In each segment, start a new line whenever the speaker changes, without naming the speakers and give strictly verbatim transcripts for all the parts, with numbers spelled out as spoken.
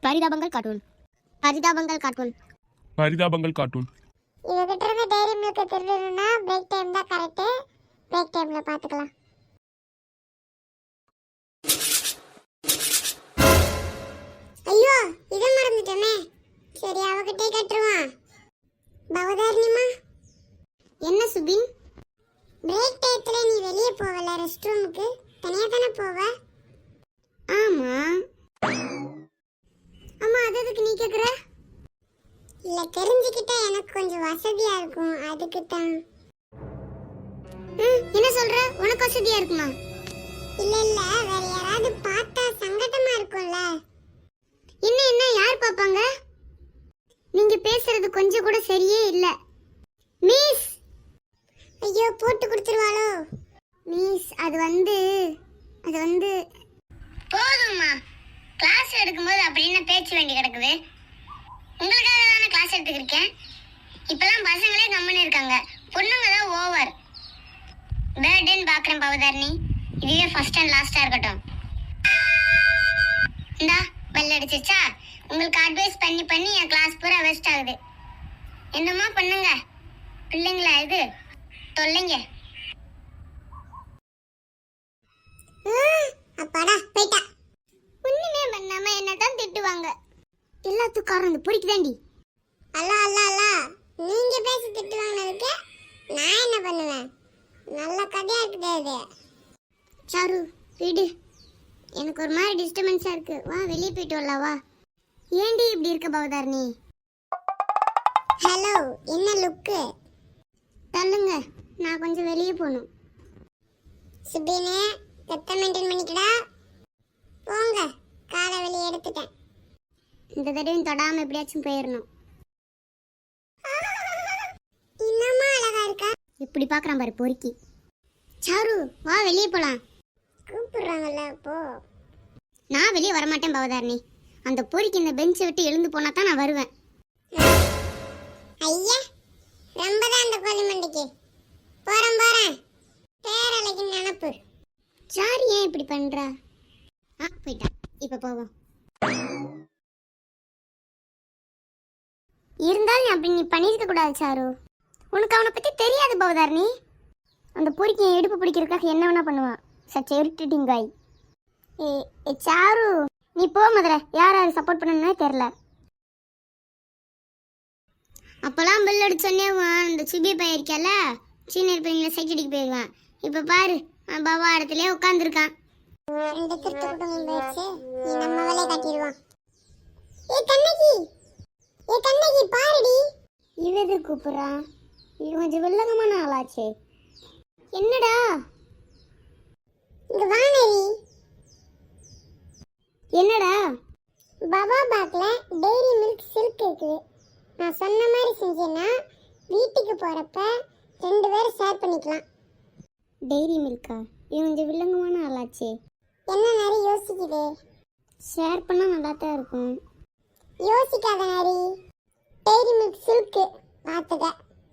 பரிதாபங்கள் cartoon பரிதாபங்கள் cartoon
பரிதாபங்கள் cartoon
இவகிட்ட இருந்து டைரி மில்க் திருடணும்னா பிரேக் டைம் தான் கரெக்ட். பிரேக் டைம்ல பாத்துக்கலாம். ஐயோ இத மறந்துட்டேனே. சரி அவகிட்டே கட்டுருவான். பவதாரணிமா,
என்ன சுபின்?
பிரேக் டைத்துல நீ வெளியே போவல ரெஸ்ட் ரூமுக்கு, தனியா தானே போவ?
ஆமா
அம்மா அது எதுக்கு நீ கேக்குற? இல்ல தெரிஞ்சுக்கிட்டா எனக்கு கொஞ்சம் வசதியா இருக்கும், அதுக்கு தான்.
என்ன சொல்ற? உனக்கு வசதியா இருக்குமா?
இல்ல இல்ல வேற யாராவது பார்த்தா சங்கடமா இருக்கும்ல.
என்ன என்ன யார் பாப்பாங்க? நீங்க பேசுறது கொஞ்சம் கூட சரியே இல்ல. மிஸ்,
ஐயோ போட்டு கொடுத்துருவாளோ?
மிஸ் அது வந்து அது வந்து போதும்மா. கிளாஸ் எடுக்கும்போது அப்படி என்ன பேச்சு வேண்டி கிடக்குது? உங்களுக்காக தானே கிளாஸ் எடுத்துக்கிருக்கேன். இப்பெல்லாம் பசங்களே கம்முன்னு இருக்காங்க, பொண்ணுங்க தான் ஓவர். பேர்டேன்னு பார்க்குறேன் பவதாரணி. இதுவே ஃபர்ஸ்ட் அண்ட் லாஸ்ட்டாக இருக்கட்டும். இந்தா பெல் அடிச்சிச்சா? உங்களுக்கு அட்வைஸ் பண்ணி பண்ணி என் கிளாஸ் பூரா வேஸ்ட் ஆகுது. என்னம்மா பண்ணுங்க பிள்ளைங்களா இது? தொல்லைங்க.
அப்பாடா போய்ட்டா.
ஒண்ணுமே பண்ணாம என்னதான் திட்டுவாங்க. எல்லாத்துக்கும் காரணம் இந்த பொறிக்குதாண்டி.
அல்ல அல்ல அல்ல நீங்க பேசி திட்டு வாங்கினதுக்கு நான் என்ன பண்ணுவேன்? நல்ல கதையா இருக்குது இது.
சாரு வீடு, எனக்கு ஒரு மாதிரி டிஸ்டர்பன்ஸா இருக்கு. வா வெளியே போயிட்டு வரலாம் வா. ஏண்டி இப்படி இருக்க பவதாரணி?
ஹலோ என்ன லுக்கு?
தள்ளுங்க, நான் கொஞ்சம் வெளியே போகணும்.
சுபினே கெட்ட மெயின்டைன் பண்ணிக்கடா. போங்க, காலை வெளியே எடுத்துட்டேன்.
இந்த தடவையும் தொடாம எப்படியாச்சும் போயிடணும்.
இன்னமா அழகா இருக்கா?
இப்படி பாக்குறான் பாரு பொறுக்கி. சாரு வா வெளியே போலாம்.
கூப்பிடுறாங்கல்ல போ.
நான் வெளியே வரமாட்டேன் பவதாரணி. அந்த பொறுக்கி இந்த பெஞ்சை விட்டு எழுந்து போனா தான் நான் வருவேன்.
ஐயா ரொம்ப தான் அந்த கோழி மண்டிக்கு. போறேன் போறேன், பேரலைக்கு நினப்பு.
சாரு ஏன் இப்படி பண்றா? ஆ போயிட்டா, இப்ப போவோம். இருந்தாலும் அப்படி நீ பண்ணிருக்க கூடாது சாரு. உனக்கு அவனை பத்தி தெரியாது பவதாரணி. அந்த பொறுக்கி என் இடுப்பு பிடிக்கிறதுக்காக என்ன வேணா பண்ணுவான். சச் இரிட்டேட்டிங் காய். ஏ ஏ சாரு நீ போ முதல்ல. யார் யார் சப்போர்ட் பண்ணணும்னே தெரில. அப்போல்லாம் பில் அடிச்சு சொன்னே இந்த சுபி பையன் இருக்கல, சீனியர் பிள்ளைங்களை சைட் அடிக்க போயிடுவான். இப்போ பாரு பாபா இடத்துலயே உட்காந்துருக்கான்.
ரெண்டு திருட்டு குடும்பம் போயிடுச்சு, நீ நம்ம வேலையை காட்டிடுவான். ஏ கண்ணகி, ஏ கண்ணகி பாருடி.
இவது கூப்பிடுறான். இது கொஞ்சம் வில்லங்கமான ஆளாச்சு. என்னடா?
இங்க வானரி.
என்னடா?
பாபா பாக்ல டெய்ரி மில்க் சில்க் இருக்குது. நான் சொன்ன மாதிரி செஞ்சேன்னா வீட்டுக்கு போறப்ப ரெண்டு பேரும் ஷேர் பண்ணிக்கலாம்.
டெய்ரி மில்கா? இது கொஞ்சம் வில்லங்கமான ஆளாச்சு.
என்ன நரி யோசிக்குது?
ஷேர் பண்ணால் நல்லா தான் இருக்கும்.
யோசிக்காத நரி, டெய்ரி மில்க் சில்க் பார்த்துக்க.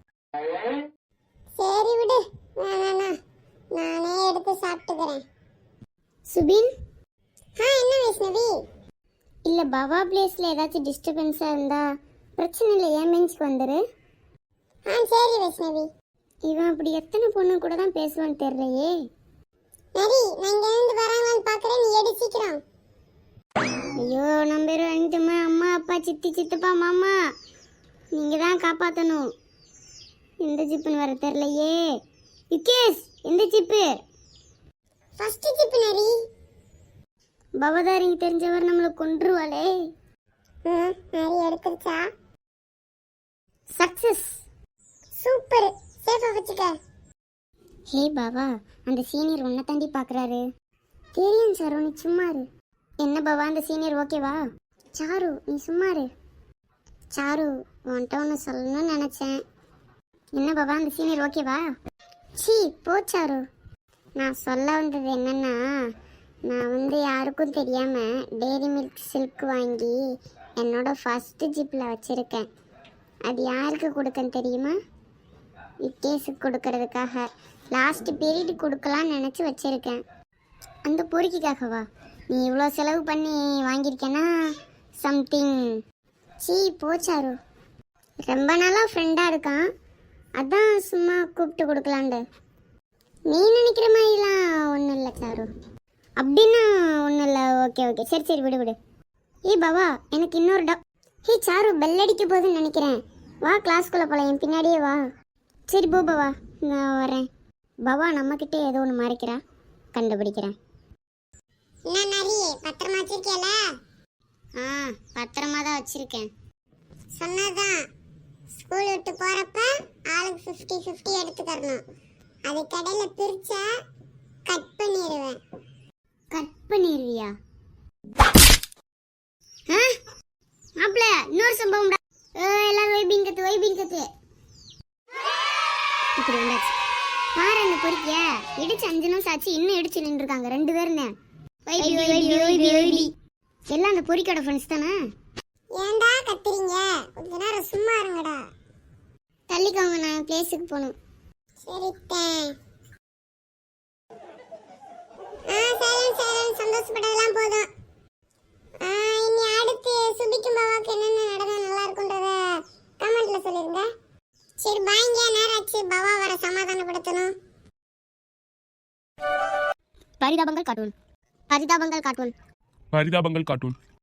சரி விடு, வேணாண்ணா நானே எடுத்து சாப்பிட்டுக்கிறேன்.
சுபின்,
ஆ என்ன வைஷ்ணவி?
இல்லை பவா பிளேஸில் ஏதாச்சும் டிஸ்டர்பன்ஸாக இருந்தா பிரச்சனை இல்லை, ஏன் பெஞ்சுக்கு வந்துரு.
ஆ சரி வைஷ்ணவி.
இவன் அப்படி எத்தனை பொண்ணு கூட தான் பேசுவான்னு தெரியலையே.
நரி நான் இங்க இருந்து வராங்களான்னு பார்க்குறேன், நீ எடு சீக்கிரம்.
ஐயோ நம்ம பேர் வந்துட்டுமா. அம்மா அப்பா சித்தி சித்தப்பா மாமா நீங்கள் தான் காப்பாற்றணும். எந்த ஜிப்புன்னு வர தெரியலையே. யுகேஷ் எந்த ஜிப்பு?
ஃபர்ஸ்ட் ஜிப் நரி.
பவதாரிங்க தெரிஞ்சவர் நம்மளை கொன்றுவாளே.
ம் நரி எடுத்துருச்சா?
சக்சஸ்.
சூப்பர், சேஃபா வச்சுக்க.
ஹே பாபா, அந்த சீனியர் உன்னை தாண்டி பார்க்குறாரு. தெரியும் சாரு, நீ சும்மாரு. என்ன பாபா அந்த சீனியர் ஓகேவா? சாரு நீ சும்மாரு. சாரு உன்கிட்ட ஒன்று சொல்லணும்னு நினச்சேன். என்ன பாபா அந்த சீனியர் ஓகேவா? சி போ சாரு. நான் சொல்ல வந்தது என்னன்னா, நான் வந்து யாருக்கும் தெரியாமல் டெய்ரி மில்க் சில்க் வாங்கி என்னோட ஃபஸ்ட்டு ஜிப்பில் வச்சுருக்கேன். அது யாருக்கு கொடுக்கன்னு தெரியுமா? விக்கேஸுக்கு கொடுக்கறதுக்காக. லாஸ்ட் பீரியட் கொடுக்கலான்னு நினச்சி வச்சுருக்கேன். அந்த பொறுக்கிக்காகவா? நீ இவ்வளோ செலவு பண்ணி வாங்கியிருக்கேன்னா சம்திங். சீ போச்சாரு, ரொம்ப நாளாக ஃப்ரெண்டாக இருக்கான், அதான் சும்மா கூப்பிட்டு கொடுக்கலாண்டு. நீ நினைக்கிற மாதிரிலாம் ஒன்றும் இல்லை சாரு. அப்படின்னா ஒன்றும் இல்லை. ஓகே ஓகே சரி சரி விடு விடு. ஏய் பாவா, எனக்கு இன்னொரு டா ஹே சாரு, பெல் அடிக்க போகுதுன்னு நினைக்கிறேன். வா கிளாஸ்க்குள்ளே போகலாம், என் பின்னாடியே வா. சரி போ பாவா, நான் வரேன். பாவா நம்மக்கிட்டே ஏதோ ஒன்று மறைக்கிறா, கண்டுபிடிக்கிறேன்.
என்ன நரி பத்திரமா வச்சிருக்கேல?
ஆ பத்திரமா தான் வச்சுருக்கேன்.
சொன்னதான் ஸ்கூல் விட்டு போறப்ப ஆளுக்கு ஃபிஃப்டி ஃபிஃப்டி எடுத்துக்கறணும். அது கடையில பிரிச்சா கட் பண்ணிடுவேன்.
கட் பண்ணிடுவியா? ஆ மாப்பிள்ள, இன்னொரு சம்பவம்டா. ஏ எல்லாரும் வைபிங் கத்து வைபிங் கத்து. இப்படி வந்தாச்சு பாரு, அந்த பொறுக்கிய இடிச்சு அஞ்சு நிமிஷம் ஆச்சு, இன்னும் இடிச்சு நின்றுருக்காங்க ரெண்டு பேருன்னு. வைபி வைபி வைபி வைபி எல்லாம் அந்த பொறிக்கோட ஃப்ரெண்ட்ஸ் தானே.
ஏன்டா கத்துறீங்க? கொஞ்ச நேரம் சும்மா இருங்கடா.
தள்ளிக்கோங்க, நான் பிளேஸுக்கு போகணும்.
சரித்தேன். ஆ சைலன்ஸ் சைலன்ஸ், சந்தோஷப்பட்டதெல்லாம் போதும். ஆ இனி அடுத்து சுபிக்கும் பாவாக்கு என்னென்ன நடந்தா நல்லா இருக்குன்றத கமெண்ட்ல சொல்லிருங்க. சரி பாய்ங்க, நேரம் ஆச்சு, பாவா வர சமாதானப்படுத்தணும்.
பரிதாபங்கள் கார்ட்டூன். பரிதாபங்கள் கார்ட்டூன்.
பரிதாபங்கள் கார்ட்டூன்.